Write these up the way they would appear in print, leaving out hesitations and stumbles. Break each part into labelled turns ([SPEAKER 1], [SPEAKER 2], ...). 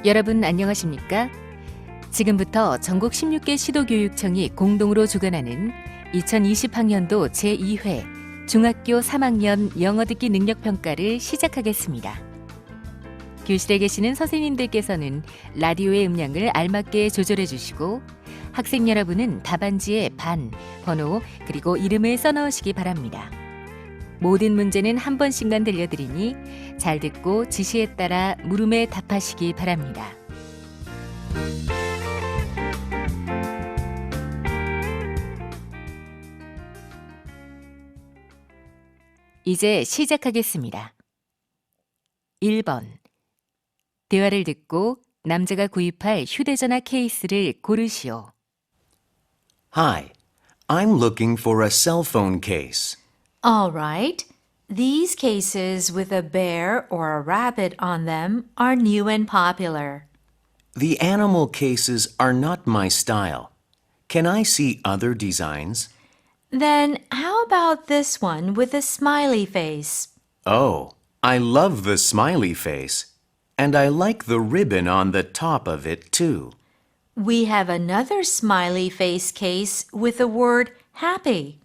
[SPEAKER 1] 여러분 안녕하십니까? 지금부터 전국 16개 시도교육청이 공동으로 주관하는 2020학년도 제2회 중학교 3학년 영어 듣기 능력평가를 시작하겠습니다. 교실에 계시는 선생님들께서는 라디오의 음량을 알맞게 조절해 주시고 학생 여러분은 답안지에 반, 번호, 그리고 이름을 써넣으시기 바랍니다. 모든 문제는 한 번씩만 들려드리니 잘 듣고 지시에 따라 물음에 답하시기 바랍니다. 이제 시작하겠습니다. 1번. 대화를 듣고 남자가 구입할 휴대전화 케이스를 고르시오.
[SPEAKER 2] Hi, I'm looking for a cell phone case.
[SPEAKER 3] All right. These cases with a bear or a rabbit on them are new and popular.
[SPEAKER 2] The animal cases are not my style. Can I see other designs?
[SPEAKER 3] Then how about this one with a smiley face?
[SPEAKER 2] Oh, I love the smiley face. And I like the ribbon on the top of it too.
[SPEAKER 3] We have another smiley face case with the word happy.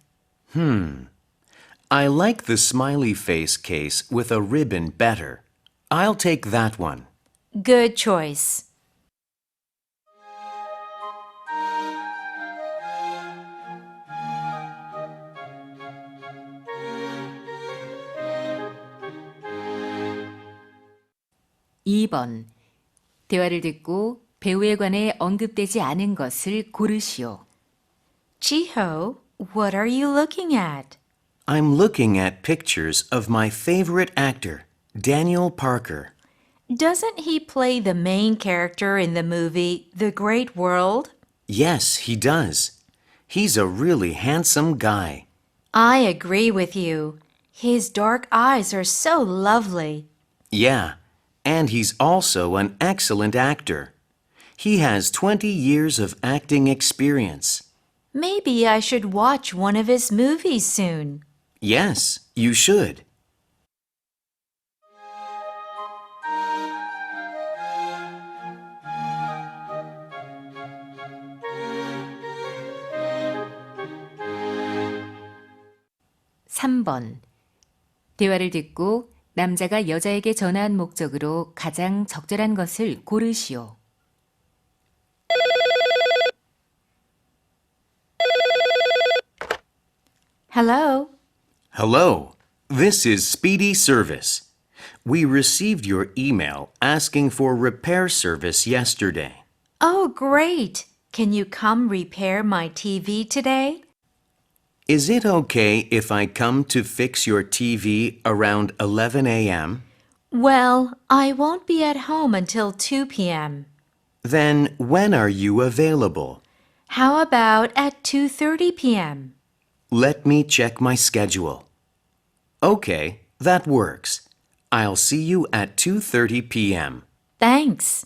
[SPEAKER 2] I like the smiley face case with a ribbon better. I'll take that one.
[SPEAKER 3] Good choice.
[SPEAKER 1] (2번) 대화를 듣고 배우에 관해 언급되지 않은 것을 고르시오.
[SPEAKER 3] Chiho, what are you looking at?
[SPEAKER 2] I'm looking at pictures of my favorite actor, Daniel Parker.
[SPEAKER 3] Doesn't he play the main character in the movie The Great World?
[SPEAKER 2] Yes, he does. He's a really handsome guy.
[SPEAKER 3] I agree with you. His dark eyes are so lovely.
[SPEAKER 2] Yeah, and he's also an excellent actor. He has 20 years of acting experience.
[SPEAKER 3] Maybe I should watch one of his movies soon.
[SPEAKER 2] Yes, you should.
[SPEAKER 1] (3번) 대화를 듣고 남자가 여자에게 전화한 목적으로 가장 적절한 것을 고르시오.
[SPEAKER 3] Hello?
[SPEAKER 2] Hello, this is Speedy Service. We received your email asking for repair service yesterday.
[SPEAKER 3] Oh, great. Can you come repair my TV today?
[SPEAKER 2] Is it okay if I come to fix your TV around 11 a.m.?
[SPEAKER 3] Well, I won't be at home until 2 p.m.
[SPEAKER 2] Then when are you available?
[SPEAKER 3] How about at 2:30 p.m.?
[SPEAKER 2] Let me check my schedule. Okay, that works. I'll see you at 2:30 p.m.
[SPEAKER 3] Thanks.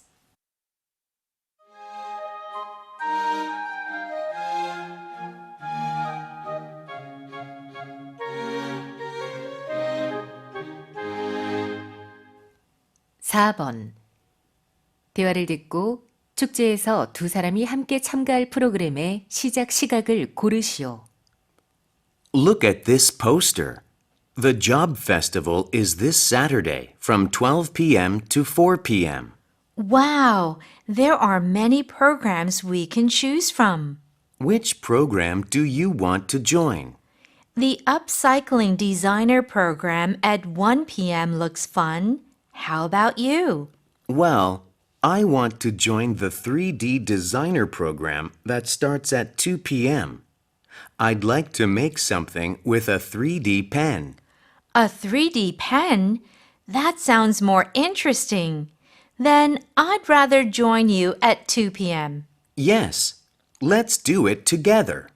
[SPEAKER 1] (4번) 대화를 듣고 축제에서 두 사람이 함께 참가할 프로그램의 시작 시각을 고르시오.
[SPEAKER 2] Look at this poster. The job festival is this Saturday from 12 p.m. to 4 p.m.
[SPEAKER 3] Wow, there are many programs we can choose from.
[SPEAKER 2] Which program do you want to join?
[SPEAKER 3] The Upcycling Designer program at 1 p.m. looks fun. How about you?
[SPEAKER 2] Well, I want to join the 3D designer program that starts at 2 p.m. I'd like to make something with a 3D pen.
[SPEAKER 3] A 3D pen? That sounds more interesting. Then I'd rather join you at 2 p.m.
[SPEAKER 2] Yes, let's do it together.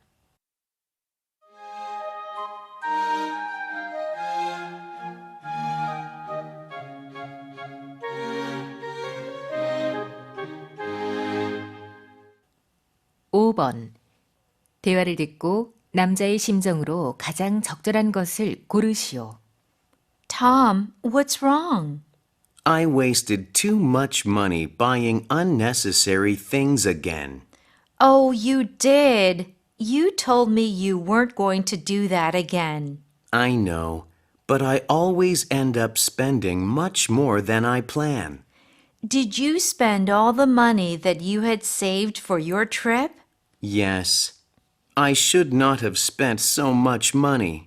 [SPEAKER 1] (5번) 대화를 듣고 남자의 심정으로 가장 적절한 것을 고르시오.
[SPEAKER 3] Tom, what's wrong?
[SPEAKER 2] I wasted too much money buying unnecessary things again.
[SPEAKER 3] Oh, you did. You told me you weren't going to do that again.
[SPEAKER 2] I know, but I always end up spending much more than I plan.
[SPEAKER 3] Did you spend all the money that you had saved for your trip?
[SPEAKER 2] Yes, I should not have spent so much money.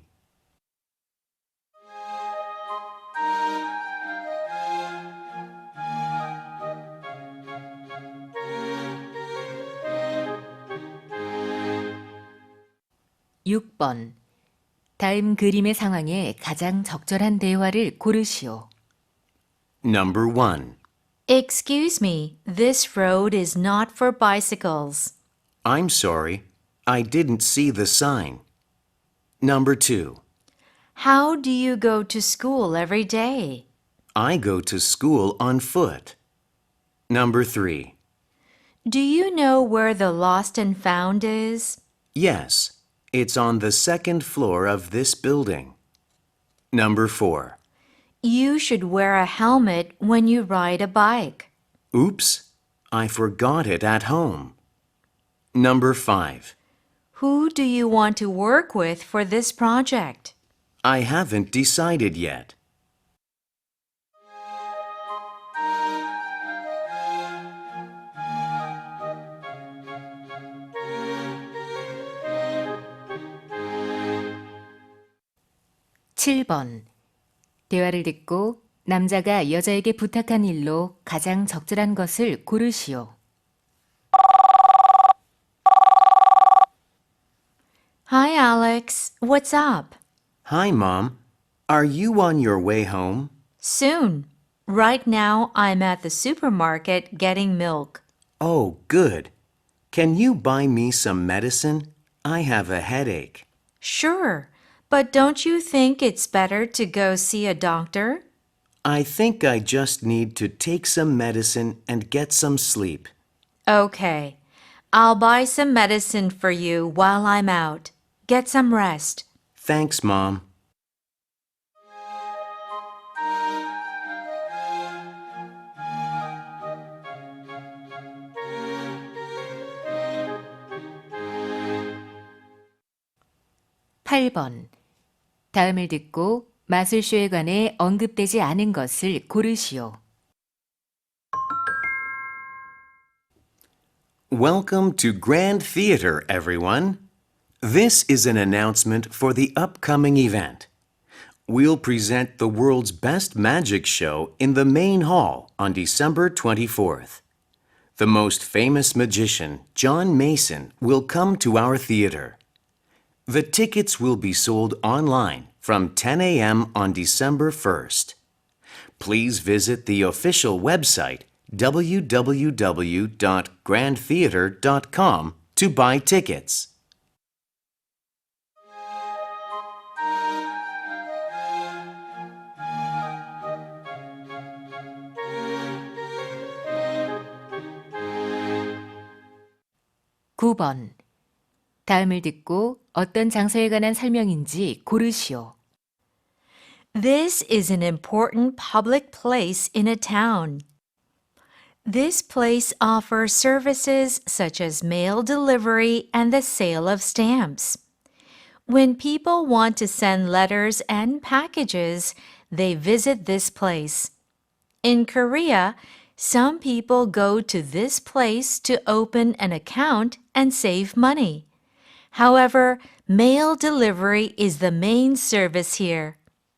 [SPEAKER 1] 육 번 다음 그림의 상황에 가장 적절한 대화를 고르시오.
[SPEAKER 2] Number 1.
[SPEAKER 3] Excuse me, this road is not for bicycles.
[SPEAKER 2] I'm sorry, I didn't see the sign. Number 2.
[SPEAKER 3] How do you go to school every day?
[SPEAKER 2] I go to school on foot. Number 3.
[SPEAKER 3] Do you know where the lost and found is?
[SPEAKER 2] Yes, it's on the second floor of this building. Number 4.
[SPEAKER 3] You should wear a helmet when you ride a bike.
[SPEAKER 2] Oops, I forgot it at home. Number 5.
[SPEAKER 3] Who do you want to work with for this project?
[SPEAKER 2] I haven't decided yet.
[SPEAKER 1] 칠 번 대화를 듣고 남자가 여자에게 부탁한 일로 가장 적절한 것을 고르시오.
[SPEAKER 3] Hi, Alex. What's up?
[SPEAKER 2] Hi, Mom. Are you on your way home?
[SPEAKER 3] Soon. Right now, I'm at the supermarket getting milk.
[SPEAKER 2] Oh, good. Can you buy me some medicine? I have a headache.
[SPEAKER 3] Sure. But don't you think it's better to go see a doctor?
[SPEAKER 2] I think I just need to take some medicine and get some sleep.
[SPEAKER 3] Okay. I'll buy some medicine for you while I'm out. Get some rest.
[SPEAKER 2] Thanks, Mom.
[SPEAKER 1] 팔 번 다음을 듣고 마술쇼에 관해 언급되지 않은 것을 고르시오.
[SPEAKER 2] Welcome to Grand Theater, everyone. This is an announcement for the upcoming event. We'll present the world's best magic show in the main hall on December 24th. The most famous magician, John Mason, will come to our theater. The tickets will be sold online from 10 a.m. on December 1st. Please visit the official website www.grandtheater.com to buy tickets.
[SPEAKER 1] 구 번 다음을 듣고 어떤 장소에 관한 설명인지 고르시오.
[SPEAKER 3] This is an important public place in a town. This place offers services such as mail delivery and the sale of stamps. When people want to send letters and packages, they visit this place. In Korea, some people go to this place to open an account and save money. However, mail delivery is the main service here.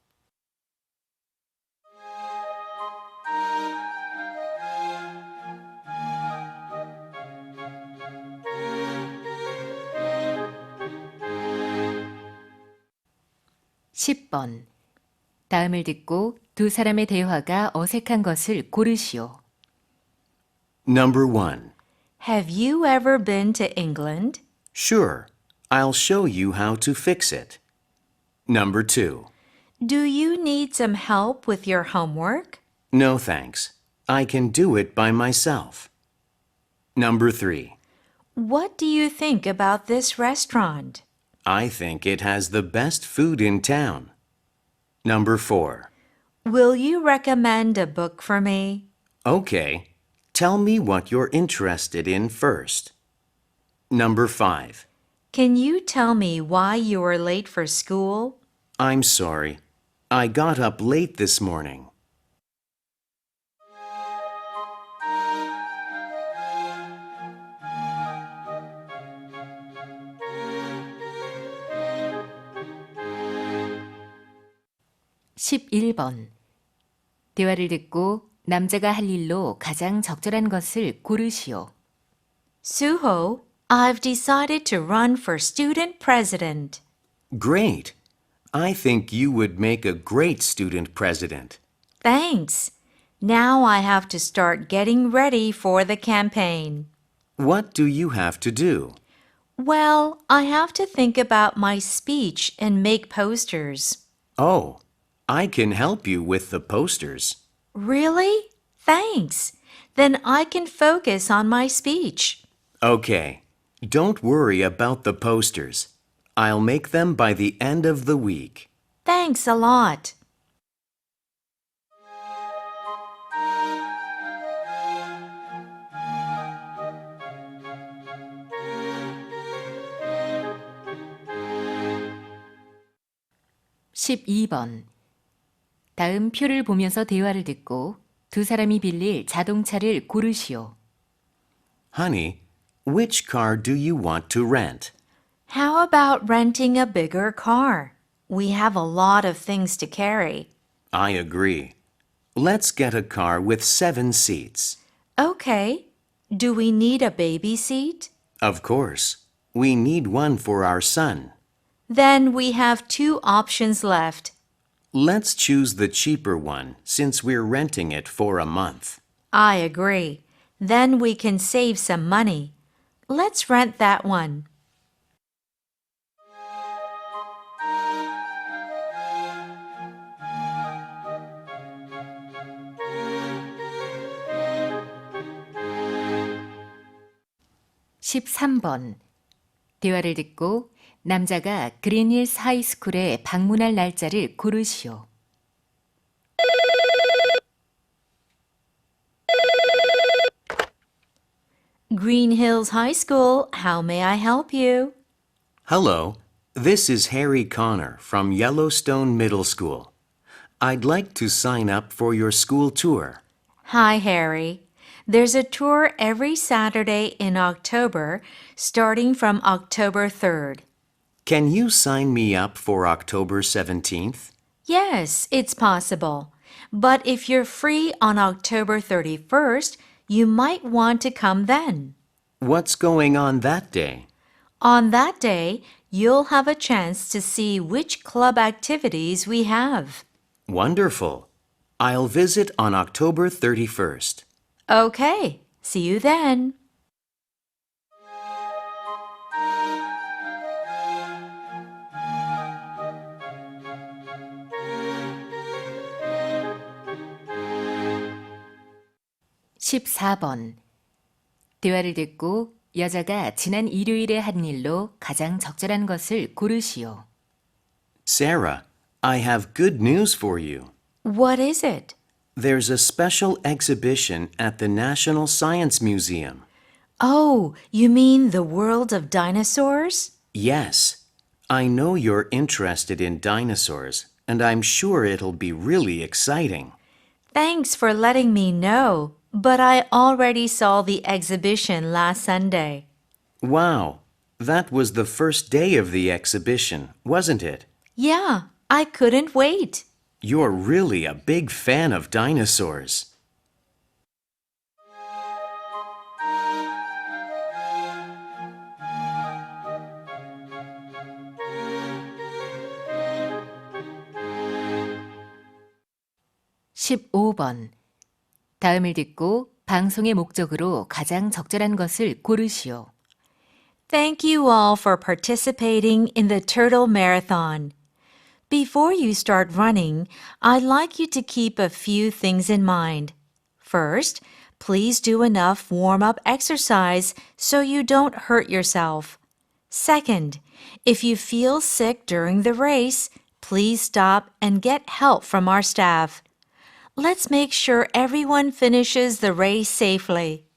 [SPEAKER 1] 십 번 다음을 듣고 두 사람의 대화가 어색한 것을 고르시오.
[SPEAKER 2] Number 1.
[SPEAKER 3] Have you ever been to England?
[SPEAKER 2] Sure, I'll show you how to fix it. Number 2.
[SPEAKER 3] Do you need some help with your homework?
[SPEAKER 2] No thanks. I can do it by myself. Number 3.
[SPEAKER 3] What do you think about this restaurant?
[SPEAKER 2] I think it has the best food in town. Number 4.
[SPEAKER 3] Will you recommend a book for me?
[SPEAKER 2] Okay. Tell me what you're interested in first. Number 5.
[SPEAKER 3] Can you tell me why you were late for school?
[SPEAKER 2] I'm sorry. I got up late this morning.
[SPEAKER 1] 11번. 대화를 듣고 남자가 할 일로 가장 적절한 것을 고르시오.
[SPEAKER 3] Suho, I've decided to run for student president.
[SPEAKER 2] Great. I think you would make a great student president.
[SPEAKER 3] Thanks. Now I have to start getting ready for the campaign.
[SPEAKER 2] What do you have to do?
[SPEAKER 3] Well, I have to think about my speech and make posters.
[SPEAKER 2] Oh, I can help you with the posters.
[SPEAKER 3] Really? Thanks. Then I can focus on my speech.
[SPEAKER 2] Okay. Don't worry about the posters. I'll make them by the end of the week.
[SPEAKER 3] Thanks a lot.
[SPEAKER 1] (12번) 다음 표를 보면서 대화를 듣고 두 사람이 빌릴 자동차를 고르시오.
[SPEAKER 2] Honey, which car do you want to rent?
[SPEAKER 3] How about renting a bigger car? We have a lot of things to carry.
[SPEAKER 2] I agree. Let's get a car with 7 seats.
[SPEAKER 3] Okay. Do we need a baby seat?
[SPEAKER 2] Of course. We need one for our son.
[SPEAKER 3] Then we have 2 options left.
[SPEAKER 2] Let's choose the cheaper one since we're renting it for a month.
[SPEAKER 3] I agree. Then we can save some money. Let's rent that one.
[SPEAKER 1] (13번) 대화를 듣고 남자가 그린힐스 하이스쿨에 방문할 날짜를 고르시오.
[SPEAKER 3] Green Hills High School, how may I help you?
[SPEAKER 2] Hello, this is Harry Connor from Yellowstone Middle School. I'd like to sign up for your school tour.
[SPEAKER 3] Hi, Harry. There's a tour every Saturday in October, starting from October 3rd.
[SPEAKER 2] Can you sign me up for October 17th?
[SPEAKER 3] Yes, it's possible. But if you're free on October 31st, you might want to come then.
[SPEAKER 2] What's going on that day?
[SPEAKER 3] On that day, you'll have a chance to see which club activities we have.
[SPEAKER 2] Wonderful. I'll visit on October 31st.
[SPEAKER 3] Okay, see you then.
[SPEAKER 1] (14번) 대화를 듣고 여자가 지난 일요일에 한 일로 가장 적절한 것을 고르시오.
[SPEAKER 2] Sarah, I have good news for you.
[SPEAKER 3] What is it?
[SPEAKER 2] There's a special exhibition at the National Science Museum.
[SPEAKER 3] Oh, you mean the world of dinosaurs?
[SPEAKER 2] Yes, I know you're interested in dinosaurs, and I'm sure it'll be really exciting.
[SPEAKER 3] Thanks for letting me know, but I already saw the exhibition last Sunday.
[SPEAKER 2] Wow, that was the first day of the exhibition, wasn't it?
[SPEAKER 3] Yeah, I couldn't wait.
[SPEAKER 2] You're really a big fan of dinosaurs.
[SPEAKER 1] (15번) 다음을 듣고 방송의 목적으로 가장 적절한 것을 고르시오.
[SPEAKER 3] Thank you all for participating in the Turtle Marathon. Before you start running, I'd like you to keep a few things in mind. First, please do enough warm-up exercise so you don't hurt yourself. Second, if you feel sick during the race, please stop and get help from our staff. Let's make sure everyone finishes the race safely.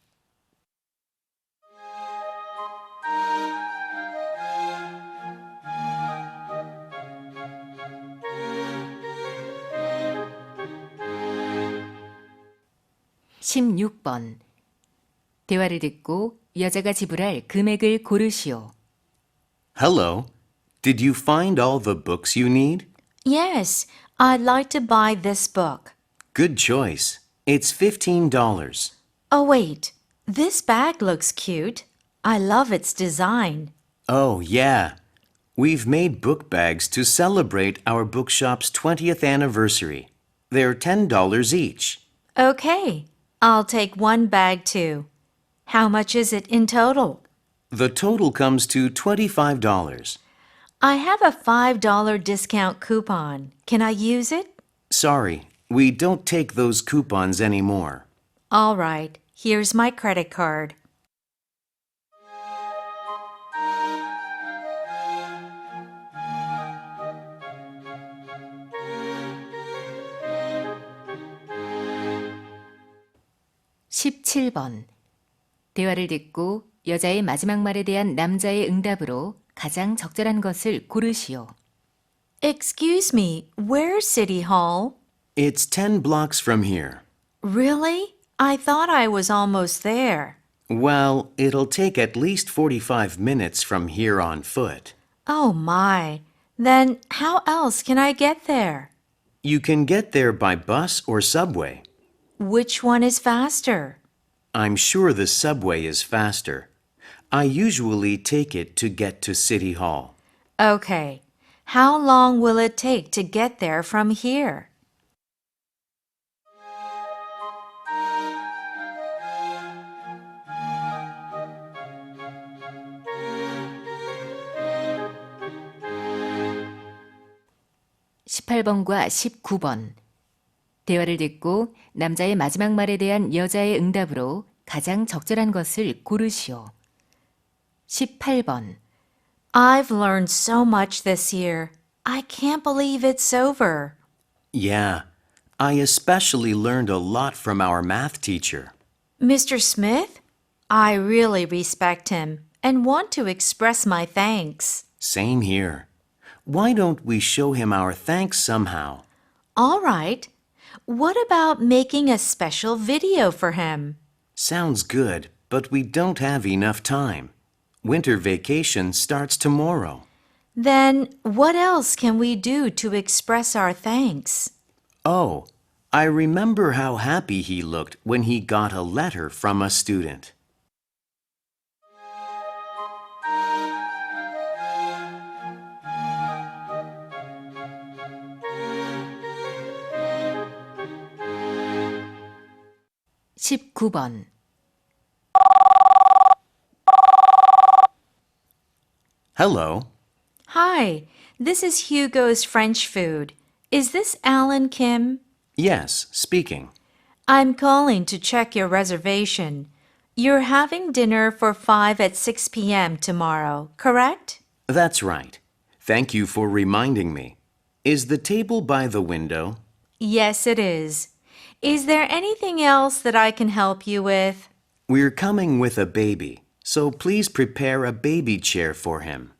[SPEAKER 1] (16번) 대화를 듣고 여자가 지불할 금액을 고르시오.
[SPEAKER 2] Hello. Did you find all the books you need?
[SPEAKER 3] Yes, I'd like to buy this book.
[SPEAKER 2] Good choice. It's $15.
[SPEAKER 3] Oh, wait. This bag looks cute. I love its design.
[SPEAKER 2] Oh, yeah. We've made book bags to celebrate our bookshop's 20th anniversary. They're $10 each.
[SPEAKER 3] Okay, I'll take one bag too. How much is it in total?
[SPEAKER 2] The total comes to $25.
[SPEAKER 3] I have a $5 discount coupon. Can I use it?
[SPEAKER 2] Sorry, we don't take those coupons anymore.
[SPEAKER 3] All right, here's my credit card.
[SPEAKER 1] (17번) 대화를 듣고 여자의 마지막 말에 대한 남자의 응답으로 가장 적절한 것을 고르시오.
[SPEAKER 3] Excuse me, where's City Hall?
[SPEAKER 2] It's 10 blocks from here.
[SPEAKER 3] Really? I thought I was almost there.
[SPEAKER 2] Well, it'll take at least 45 minutes from here on foot.
[SPEAKER 3] Oh my. Then how else can I get there?
[SPEAKER 2] You can get there by bus or subway.
[SPEAKER 3] Which one is faster?
[SPEAKER 2] I'm sure the subway is faster. I usually take it to get to City Hall.
[SPEAKER 3] Okay. How long will it take to get there from here?
[SPEAKER 1] (18번과 19번) 대화를 듣고 남자의 마지막 말에 대한 여자의 응답으로 가장 적절한 것을 고르시오. (18번)
[SPEAKER 3] I've learned so much this year. I can't believe it's over.
[SPEAKER 2] Yeah, I especially learned a lot from our math teacher.
[SPEAKER 3] Mr. Smith? I really respect him and want to express my thanks.
[SPEAKER 2] Same here. Why don't we show him our thanks somehow?
[SPEAKER 3] All right. What about making a special video for him?
[SPEAKER 2] Sounds good, but we don't have enough time. Winter vacation starts tomorrow.
[SPEAKER 3] Then what else can we do to express our thanks?
[SPEAKER 2] Oh, I remember how happy he looked when he got a letter from a student.
[SPEAKER 1] (19번)
[SPEAKER 2] Hello.
[SPEAKER 3] Hi, this is Hugo's French food. Is this Alan Kim?
[SPEAKER 2] Yes, speaking.
[SPEAKER 3] I'm calling to check your reservation. You're having dinner for 5 at 6 p.m. tomorrow, correct?
[SPEAKER 2] That's right. Thank you for reminding me. Is the table by the window?
[SPEAKER 3] Yes, it is. Is there anything else that I can help you with?
[SPEAKER 2] We're coming with a baby, so please prepare a baby chair for him.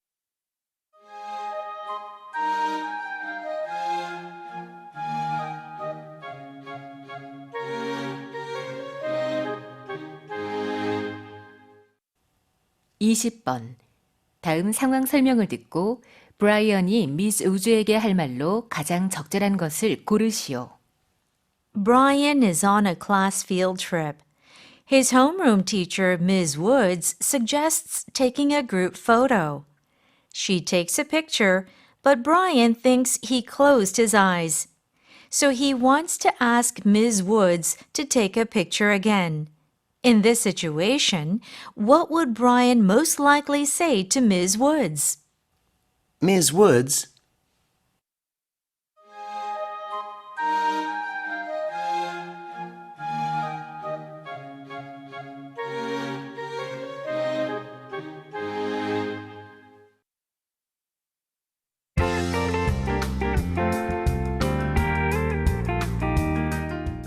[SPEAKER 1] (20번) 다음 상황 설명을 듣고 브라이언이 미스 우즈에게 할 말로 가장 적절한 것을 고르시오.
[SPEAKER 3] Brian is on a class field trip. His homeroom teacher, Ms. Woods, suggests taking a group photo. She takes a picture, but Brian thinks he closed his eyes. So he wants to ask Ms. Woods to take a picture again. In this situation, what would Brian most likely say to Ms. Woods?
[SPEAKER 2] Ms. Woods,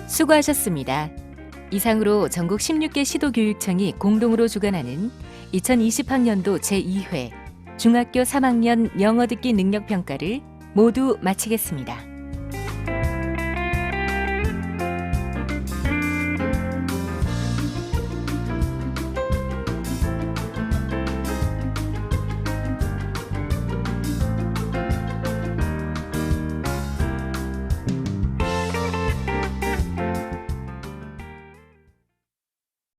[SPEAKER 1] 수고하셨습니다. 이상으로 전국 16개 시도교육청이 공동으로 주관하는 2020학년도 제2회 중학교 3학년 영어 듣기 능력 평가를 모두 마치겠습니다.